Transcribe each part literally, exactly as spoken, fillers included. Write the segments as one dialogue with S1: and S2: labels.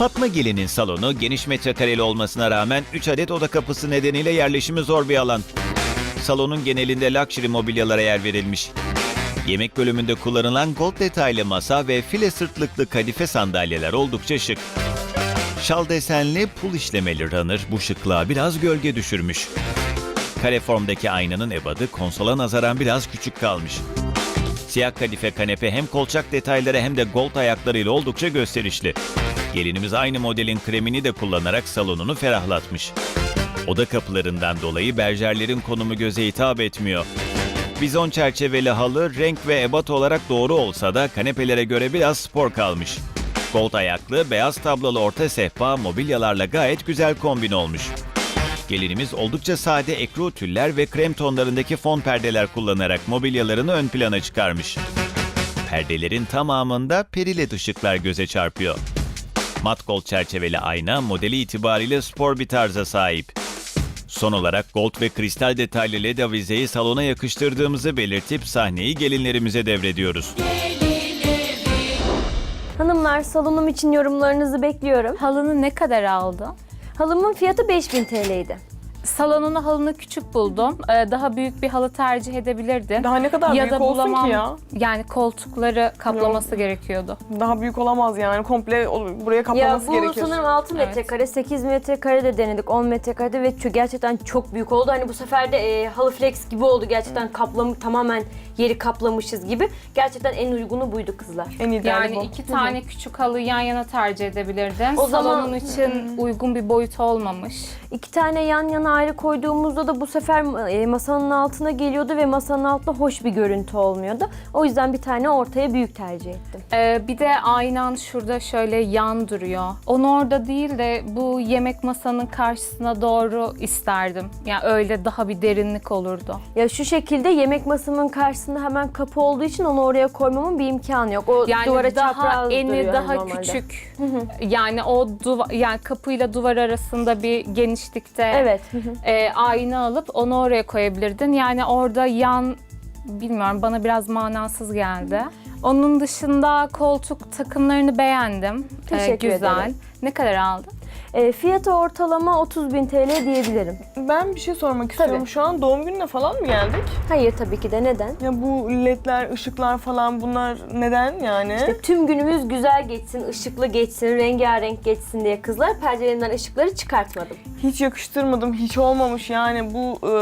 S1: Fatma Gelin'in salonu geniş metrekareli olmasına rağmen üç adet oda kapısı nedeniyle yerleşimi zor bir alan. Salonun genelinde luxury mobilyalara yer verilmiş. Yemek bölümünde kullanılan gold detaylı masa ve file sırtlıklı kadife sandalyeler oldukça şık. Şal desenli pul işlemeli runner bu şıklığa biraz gölge düşürmüş. Kare formdaki aynanın ebadı konsola nazaran biraz küçük kalmış. Siyah kadife kanepe hem kolçak detayları hem de gold ayaklarıyla oldukça gösterişli. Gelinimiz aynı modelin kremini de kullanarak salonunu ferahlatmış. Oda kapılarından dolayı berjerlerin konumu göze hitap etmiyor. Bizon çerçeveli halı renk ve ebat olarak doğru olsa da kanepelere göre biraz spor kalmış. Gold ayaklı, beyaz tablolu orta sehpa mobilyalarla gayet güzel kombin olmuş. Gelinimiz oldukça sade ekru tüller ve krem tonlarındaki fon perdeler kullanarak mobilyalarını ön plana çıkarmış. Perdelerin tamamında periled ışıklar göze çarpıyor. Mat gold çerçeveli ayna modeli itibariyle spor bir tarza sahip. Son olarak gold ve kristal detaylı led avizeyi salona yakıştırdığımızı belirtip sahneyi gelinlerimize devrediyoruz.
S2: Hanımlar, salonum için yorumlarınızı bekliyorum.
S3: Halını ne kadar aldın?
S2: Halımın fiyatı beş bin T L'ydi.
S3: Salonunu halını küçük buldum. Ee, daha büyük bir halı tercih edebilirdin.
S4: Daha ne kadar
S3: ya
S4: büyük
S3: da
S4: olsun
S3: bulamam,
S4: ki ya?
S3: Yani koltukları kaplaması gerekiyordu.
S4: Daha büyük olamaz yani. Komple o- buraya
S2: Ya
S4: kaplaması
S2: bu
S4: gerekir.
S2: sanırım altı
S3: Evet.
S2: metrekare, sekiz metrekare de denedik, on metrekare ve çö- gerçekten çok büyük oldu. Hani bu sefer de e, halı flex gibi oldu. Gerçekten kaplam tamamen yeri kaplamışız gibi. Gerçekten en uygunu buydu kızlar.
S4: En ideali
S3: Yani
S4: bu.
S3: iki tane küçük halı yan yana tercih edebilirdin.
S2: O zaman-
S3: Salonun için uygun bir boyut olmamış.
S2: İki tane yan yana ayrı koyduğumuzda da bu sefer e, masanın altına geliyordu ve masanın altında hoş bir görüntü olmuyordu. O yüzden bir tane ortaya büyük tercih ettim.
S3: Ee, bir de aynan şurada şöyle yan duruyor. Onu orada değil de bu yemek masanın karşısına doğru isterdim. Yani öyle daha bir derinlik olurdu.
S2: Ya şu şekilde yemek masamın karşısında hemen kapı olduğu için onu oraya koymamın bir imkanı yok. O
S3: Yani
S2: duvara
S3: daha
S2: çapraz
S3: eni
S2: duruyor
S3: daha
S2: normalde.
S3: küçük. Yani o duva, yani kapıyla duvar arasında bir genişlikte
S2: Evet.
S3: e, ayna alıp onu oraya koyabilirdin. Yani orada yan bilmiyorum bana biraz manasız geldi. Onun dışında koltuk takımlarını beğendim. E,
S2: Teşekkür
S3: güzel.
S2: ederim.
S3: Ne kadar aldın?
S2: E, fiyatı ortalama otuz bin T L diyebilirim.
S4: Ben bir şey sormak istiyorum.
S2: Tabii.
S4: Şu an doğum gününe falan mı geldik?
S2: Hayır tabii ki de, neden?
S4: Ya bu ledler, ışıklar falan bunlar neden yani?
S2: İşte tüm günümüz güzel geçsin, ışıklı geçsin, rengarenk geçsin diye kızlar perdelerimden ışıkları çıkartmadım.
S4: Hiç yakıştırmadım, hiç olmamış yani bu e,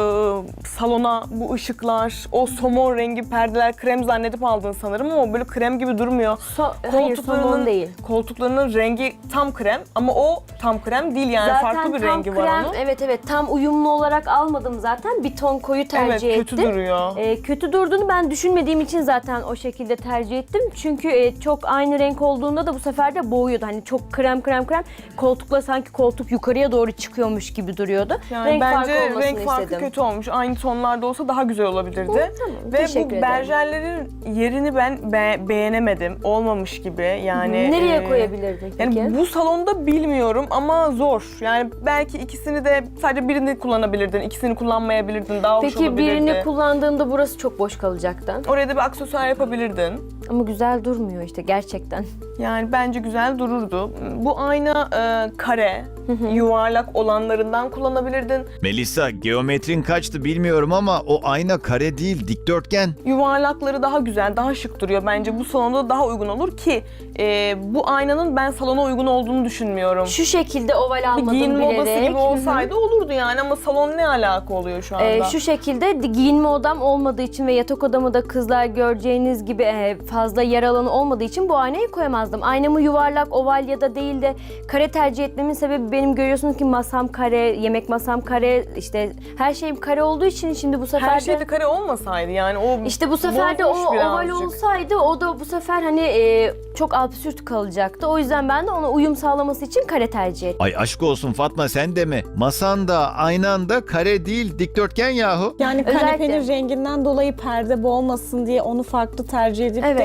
S4: salona bu ışıklar, o somon rengi perdeler krem zannedip aldın sanırım ama böyle krem gibi durmuyor.
S2: So hayır somon değil.
S4: Koltuklarının rengi tam krem ama o tam krem değil yani
S2: Zaten
S4: farklı bir
S2: tam
S4: rengi var
S2: krem,
S4: onun.
S2: evet evet tam uyumlu olarak almadım zaten. Bir ton koyu tercih
S4: Evet,
S2: ettim.
S4: kötü duruyor.
S2: Ee, kötü durduğunu ben düşünmediğim için zaten o şekilde tercih ettim. Çünkü e, çok aynı renk olduğunda da bu sefer de boğuyordu. Hani çok krem krem krem koltukla sanki koltuk yukarıya doğru çıkıyormuş gibi duruyordu.
S4: Yani
S2: renk
S4: bence
S2: farkı olmasını
S4: renk farkı
S2: istedim.
S4: kötü olmuş. Aynı tonlarda olsa daha güzel olabilirdi.
S2: Hı, tamam,
S4: Ve
S2: teşekkür
S4: bu
S2: ederim.
S4: berjerlerin yerini ben be- beğenemedim. Olmamış gibi. Yani
S2: Nereye
S4: e,
S2: koyabilirdik peki?
S4: Yani bu salonda bilmiyorum ama zor. Yani belki ikisini de sadece birini kullanabilirdin, ikisini kullanmayabilirdin. Daha hoş
S2: Peki
S4: olabilirdi.
S2: birini kullandığımda burası çok boş kalacaktı.
S4: Oraya da bir aksesuar yapabilirdin.
S2: Ama güzel durmuyor işte gerçekten.
S4: Yani bence güzel dururdu. Bu ayna e, kare, yuvarlak olanlarından kullanabilirdin.
S1: Melisa, geometrin kaçtı bilmiyorum ama o ayna kare değil, dikdörtgen.
S4: Yuvarlakları daha güzel, daha şık duruyor. Bence bu salonda daha uygun olur ki e, bu aynanın ben salona uygun olduğunu düşünmüyorum.
S2: Şu şekilde oval
S4: Bir
S2: almadım
S4: giyinme
S2: bilerek.
S4: odası gibi
S2: Hı hı.
S4: olsaydı olurdu yani ama salon ne alaka oluyor şu anda?
S2: Ee, şu şekilde di- giyinme odam olmadığı için ve yatak odamı da kızlar göreceğiniz gibi e, fazla yer alanı olmadığı için bu aynayı koyamazdım. Aynamı yuvarlak, oval ya da değil de kare tercih etmemin sebebi benim görüyorsunuz ki masam kare, yemek masam kare, işte her şeyim kare olduğu için şimdi bu sefer
S4: Her
S2: de...
S4: şey de kare olmasaydı yani o
S2: İşte bu sefer de o
S4: bozmuş
S2: oval
S4: birazcık.
S2: olsaydı o da bu sefer hani e, çok absürt kalacaktı. O yüzden ben de ona uyum sağlaması için kare tercih ettim.
S1: Ay aşk olsun Fatma, sen de mi? Masan da aynan da kare değil, dikdörtgen yahu.
S5: Yani
S2: Özellikle-
S5: kanepenin renginden dolayı perde boğmasın diye onu farklı tercih edip
S2: Evet.
S5: de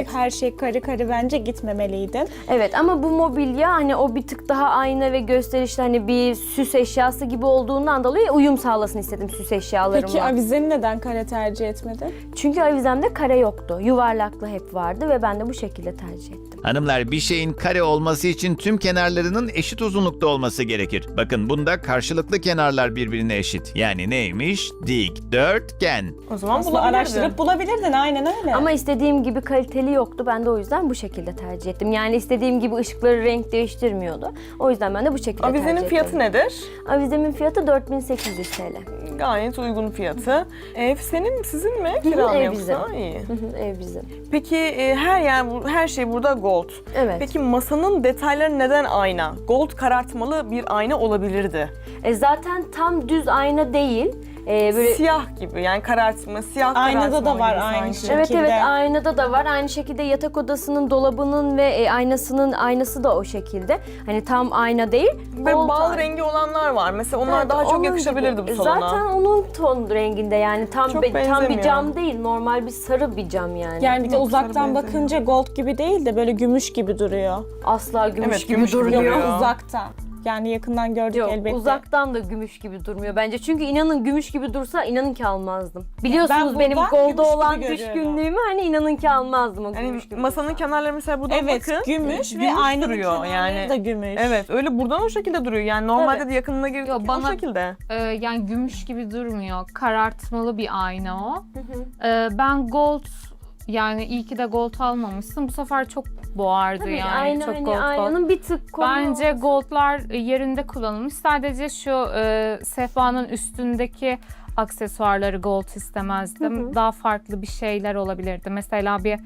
S2: Evet.
S5: her şey karı karı bence gitmemeliydin.
S2: Evet ama bu mobilya hani o bir tık daha ayna ve gösterişli hani bir süs eşyası gibi olduğundan dolayı uyum sağlasın istedim süs eşyalarımla.
S5: Peki avizeni neden kare tercih etmedin?
S2: Çünkü avizemde kare yoktu. Yuvarlaklı hep vardı ve ben de bu şekilde tercih ettim.
S1: Hanımlar, bir şeyin kare olması için tüm kenarlarının eşit uzunlukta olması gerekir. Bakın bunda karşılıklı kenarlar birbirine eşit. Yani neymiş? Dikdörtgen.
S4: O zaman
S5: Aslında
S4: bulabilirdin.
S5: araştırıp bulabilirdin aynen öyle.
S2: Ama istediğim gibi kaliteli yoktu. Ben de o yüzden bu şekilde tercih ettim. Yani istediğim gibi ışıkları renk değiştirmiyordu. O yüzden ben de bu şekilde tercih ettim.
S4: Avizenin fiyatı nedir?
S2: Avizemin fiyatı dört bin sekiz yüz T L.
S4: Gayet uygun fiyatı. Ev senin, sizin mi?
S2: hı,
S4: Kira mı
S2: ev
S4: yoksa?
S2: bizim.
S4: İyi.
S2: Hı hı, Ev bizim.
S4: Peki e, her yer, bu- her şey burada gold.
S2: Evet.
S4: Peki masanın detayları neden ayna? Gold karartmalı bir ayna olabilirdi.
S2: E zaten tam düz ayna değil. E, böyle
S4: Siyah gibi, yani karartma, siyah
S5: Aynada da
S4: karartmalı
S5: var
S4: gibi
S5: aynı
S4: sanki.
S5: şey.
S2: Evet
S5: şekilde.
S2: evet aynada da var. Aynı şekilde yatak odasının dolabının ve e, aynasının aynası da o şekilde. Hani tam ayna değil.
S4: Ve
S2: gold
S4: bal
S2: ayna.
S4: rengi olanlar var. Mesela onlar
S2: Evet,
S4: daha çok
S2: onun
S4: yakışabilirdi
S2: gibi.
S4: bu salona.
S2: Zaten onun ton renginde yani tam
S4: Çok
S2: be- tam bir
S4: benzemiyor.
S2: cam değil. Normal bir sarı bir cam yani.
S5: Yani bir de
S4: Yok,
S5: uzaktan
S4: sarı
S5: bakınca gold gibi değil de böyle gümüş gibi duruyor.
S2: Asla gümüş
S4: Evet,
S2: gibi
S4: gümüş gibi
S2: durmuyor.
S4: duruyor.
S5: Uzaktan. Yani yakından gördük
S2: Yok
S5: elbette.
S2: uzaktan da gümüş gibi durmuyor bence. Çünkü inanın gümüş gibi dursa inanın ki almazdım. Biliyorsunuz
S5: Ben
S2: benim
S5: buradan
S2: golda
S5: gümüş gibi
S2: olan
S5: görüyorum.
S2: düşkünlüğümü hani inanın ki almazdım o
S4: Yani
S2: gümüş gibi
S4: masanın
S2: dursa.
S4: kenarları mesela buradan
S5: Evet,
S4: bakın.
S5: gümüş ve
S4: gümüş
S5: aynanın
S4: duruyor
S5: kenarları
S4: yani.
S5: da gümüş.
S4: Evet, öyle buradan o şekilde duruyor. Yani normalde
S2: Evet.
S4: de yakınına girdik
S3: Yo,
S4: o
S3: bana-
S4: şekilde.
S3: Ee, yani gümüş gibi durmuyor. Karartmalı bir ayna o. Ee, ben gold, yani iyi ki de gold almamışsın. Bu sefer çok boğardı
S2: Tabii,
S3: yani.
S2: ayna
S3: çok
S2: hani
S3: gold gold.
S2: aynanın bir tık konu
S3: Bence
S2: olması-
S3: goldlar yerinde kullanılmış. Sadece şu e, sehpanın üstündeki aksesuarları gold istemezdim. Daha farklı bir şeyler olabilirdi. Mesela bir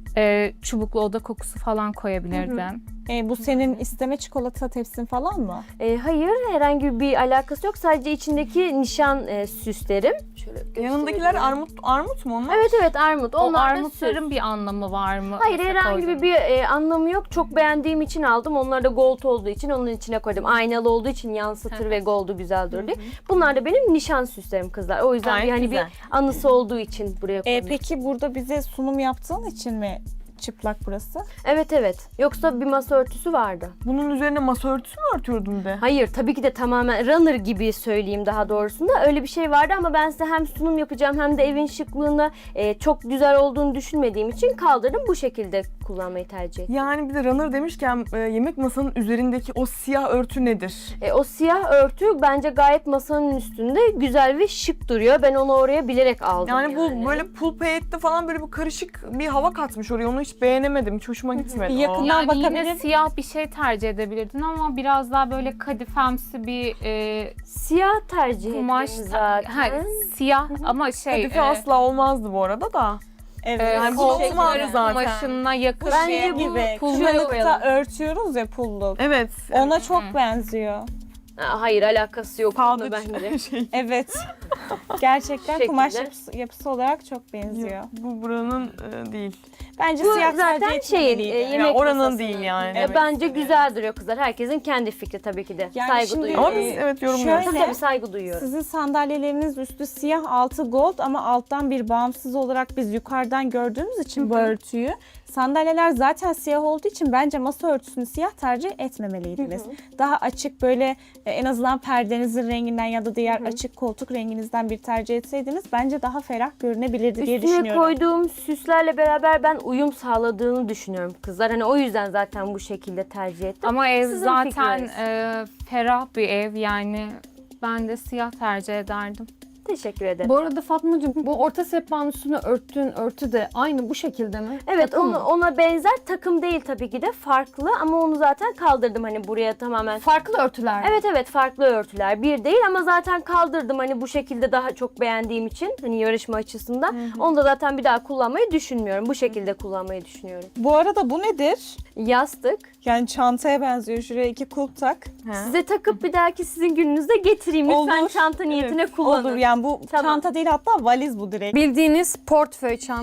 S3: e, çubuklu oda kokusu falan koyabilirdim.
S5: E, bu senin isteme çikolata tepsin falan mı?
S2: E, hayır herhangi bir alakası yok. Sadece içindeki nişan e, süslerim. Şöyle göstereyim.
S4: Yanındakiler armut armut mu onlar?
S2: Evet evet armut.
S3: O
S2: Onlar da süs.
S3: armutların bir anlamı var mı?
S2: Hayır
S3: Mesela
S2: herhangi
S3: koydun.
S2: bir e, anlamı yok. Çok beğendiğim için aldım. Onlar da gold olduğu için onun içine koydum. Aynalı olduğu için yansıtır ve goldu güzel durur diye. Bunlar da benim nişan süslerim kızlar. O yüzden
S4: Gayet
S2: bir, hani
S4: güzel.
S2: bir anısı olduğu için buraya
S5: E,
S2: koydum.
S5: peki burada bize sunum yaptığın için mi çıplak burası?
S2: Evet evet. Yoksa bir masa örtüsü vardı.
S4: Bunun üzerine masa örtüsü mü örtüyordun de?
S2: Hayır tabii ki de tamamen runner gibi söyleyeyim daha doğrusunda. Öyle bir şey vardı ama ben size hem sunum yapacağım hem de evin şıklığında e, çok güzel olduğunu düşünmediğim için kaldırdım. Bu şekilde kullanmayı tercih ettim.
S4: Yani bir de runner demişken e, yemek masanın üzerindeki o siyah örtü nedir?
S2: E, o siyah örtü bence gayet masanın üstünde güzel ve şık duruyor. Ben onu oraya bilerek aldım
S4: Yani
S2: yani.
S4: bu böyle pul payette falan böyle bir karışık bir hava katmış oraya. Onu hiç beğenemedim. Hiç hoşuma gitmedi.
S5: Bir
S4: o.
S5: yakından
S3: Yani
S5: bakabilir
S3: yine
S5: miyim?
S3: siyah bir şey tercih edebilirdin ama biraz daha böyle kadifemsi bir e,
S2: Siyah tercih
S3: kumaş
S2: ettim
S3: ta-
S2: zaten.
S3: ha, siyah ama şey
S4: Kadife
S3: e,
S4: asla olmazdı bu arada da.
S5: Evet.
S3: e,
S4: Yani bu
S3: koltukların
S4: olmazdı zaten.
S3: kumaşına yakın
S2: Bence
S3: şey
S2: bu
S5: gibi.
S2: pulları
S5: Kışlıkta
S2: koyalım.
S5: örtüyoruz ya pulluk.
S4: Evet.
S5: Ona çok benziyor.
S2: Ha, hayır alakası yok
S4: Pahalı
S2: bence.
S4: şey.
S5: Evet. Gerçekten
S2: Şekilde.
S5: kumaş yapısı, yapısı olarak çok benziyor.
S4: Bu buranın e, değil.
S5: Bence
S2: Bu
S5: siyah
S2: zaten
S5: tercih
S2: şeyin,
S5: etmeliydi.
S2: e,
S4: Ya
S2: yemek
S4: oranın
S2: masasının.
S4: değil yani.
S2: E,
S4: demek
S2: bence
S4: istediğim.
S2: güzel duruyor kızlar. Herkesin kendi fikri tabii ki de.
S5: Yani
S2: saygı
S5: şimdi-
S2: duyuyorum.
S4: Ama biz evet yorumluyoruz.
S5: Şöyle-
S2: Tabii tabii saygı duyuyorum.
S5: Sizin sandalyeleriniz üstü siyah, altı gold ama alttan bir bağımsız olarak biz yukarıdan gördüğümüz için bu örtüyü sandalyeler zaten siyah olduğu için bence masa örtüsünü siyah tercih etmemeliydiniz. Daha açık böyle e, en azından perdenizin renginden ya da diğer açık koltuk renginizden bir tercih etseydiniz bence daha ferah görünebilirdi diye
S2: Üstüne
S5: düşünüyorum.
S2: koyduğum süslerle beraber ben uyum sağladığını düşünüyorum kızlar. Hani o yüzden zaten bu şekilde tercih ettim.
S3: ama ev
S2: Sizin
S3: zaten
S2: fikriniz.
S3: e, ferah bir ev yani ben de siyah tercih ederdim.
S2: Teşekkür ederim.
S6: Bu arada Fatmacığım bu orta sehpanın üstüne örttüğün örtü de aynı bu şekilde mi?
S2: Evet
S6: Takım
S2: onu,
S6: mı?
S2: ona benzer takım değil tabii ki de farklı ama onu zaten kaldırdım hani buraya tamamen.
S6: Farklı örtüler.
S2: Evet evet farklı örtüler bir değil ama zaten kaldırdım hani bu şekilde daha çok beğendiğim için hani yarışma açısından. Onu da zaten bir daha kullanmayı düşünmüyorum. Bu şekilde kullanmayı düşünüyorum.
S5: Bu arada bu nedir?
S2: Yastık.
S5: Yani çantaya benziyor. Şuraya iki kulp tak.
S2: Size takıp bir dahaki sizin gününüzde getireyim. Lütfen
S5: Olur.
S2: çanta niyetine kullanın.
S5: Olur yani bu
S2: Tamam.
S5: çanta değil hatta valiz bu direkt.
S6: Bildiğiniz portföy çanta.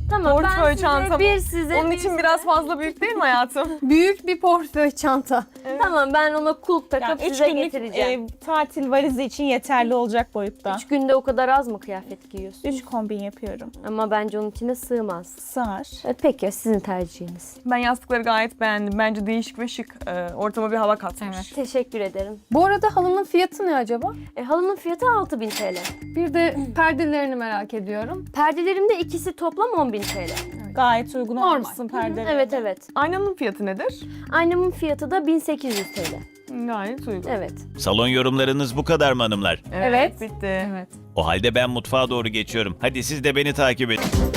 S2: Tamam
S4: Portföy
S2: ben size
S4: çantamı.
S2: bir size
S4: Onun
S2: bir
S4: için
S2: size-
S4: biraz fazla büyük değil mi hayatım?
S6: Büyük bir portföy çanta.
S2: Tamam ben ona kulp takıp
S5: Yani üç
S2: size
S5: günlük
S2: getireceğim.
S5: e, tatil valizi için yeterli olacak boyutta.
S2: Üç günde o kadar az mı kıyafet giyiyorsun?
S5: Üç kombin yapıyorum.
S2: Ama bence onun içine sığmaz.
S5: Sığar.
S2: Evet, peki sizin tercihiniz.
S4: Ben yastıkları gayet beğendim. Bence değişik ve şık. Ee, ortama bir hava katmış.
S3: Evet.
S2: Teşekkür ederim.
S6: Bu arada halının fiyatı ne acaba?
S2: E, halının fiyatı altı bin T L.
S6: Bir de perdelerini merak ediyorum.
S2: Perdelerimde ikisi toplam on bin T L.
S5: Gayet uygun
S6: Normal.
S5: olmuşsun perdelerine.
S2: Evet evet.
S4: Aynanın fiyatı nedir?
S2: Aynamın fiyatı da bin sekiz yüz T L.
S4: Gayet uygun.
S2: Evet.
S1: Salon yorumlarınız bu kadar mı hanımlar?
S4: Evet.
S3: Evet.
S4: Bitti.
S3: Evet.
S1: O halde ben mutfağa doğru geçiyorum. Hadi siz de beni takip edin.